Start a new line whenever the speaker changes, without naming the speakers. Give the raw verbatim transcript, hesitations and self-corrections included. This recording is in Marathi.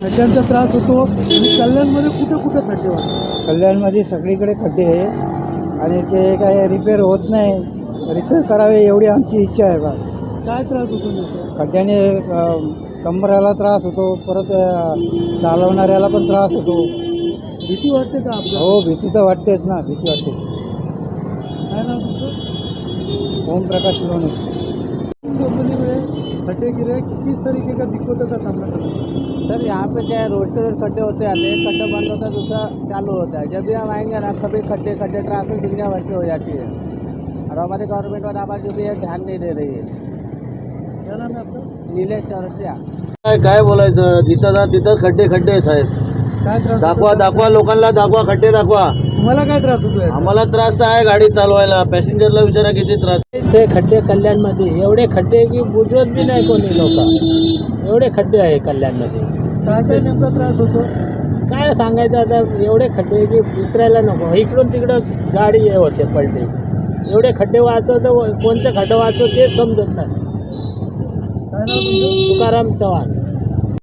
खड्ड्यांचा त्रास होतो आणि कल्याणमध्ये कुठे कुठे खड्डे होतात?
कल्याणमध्ये सगळीकडे खड्डे आहे आणि ते काय रिपेअर होत नाही. रिपेअर करावे एवढी आमची इच्छा आहे बा.
काय त्रास होतो नेमका?
खड्ड्याने अ, कंबराला त्रास होतो, परत अ, चालवणाऱ्याला पण त्रास होतो.
भीती वाटते का आपल्याला?
हो, भीती तर वाटतेच ना, भीती वाटते.
काय नाव तुमचं?
ओम प्रकाश लोणे.
कंपनी में खड्डे गिरे, किस तरीके का दिक्कतों का सामना करना पड़ता है?
सर यहाँ पे क्या है, रोज के रोज खड्डे होते आते हैं. एक खड्डा बंद होता है, दूसरा चालू होता है. जब भी हम आएंगे ना, कभी खड्डे खड्डे ट्रैफिक दुनिया भर की हो जाती है और हमारी गवर्नमेंट और हमारी जो भी है ध्यान नहीं दे रही है.
क्या नाम है आपका?
नीलेश चौरसिया.
काय काय बोलायचं, जिथं जा तिथं खड्डे खड्डे आहे साहेब.
काय त्रास
दाखवा
होतो?
दाखवा लोकांना, दाखवा खड्डे दाखवा.
तुम्हाला काय त्रास होतोय?
आम्हाला त्रास तर आहे गाडी चालवायला, पॅसेंजरला विचारा किती त्रास.
चे खड्डे कल्याणमध्ये एवढे खड्डे की बुजवत बी नाही कोणी लोक. एवढे खड्डे आहे कल्याणमध्ये.
काय काय नेमका त्रास होतो?
काय सांगायचं आता, एवढे खड्डे की विचारायला नको. इकडून तिकडं गाडी हे होते पडते. एवढे खड्डे वाचवतं, कोणचं खड्डं वाचव तेच समजत नाही.
काय नाव तुमचं?
तुकाराम चव्हाण.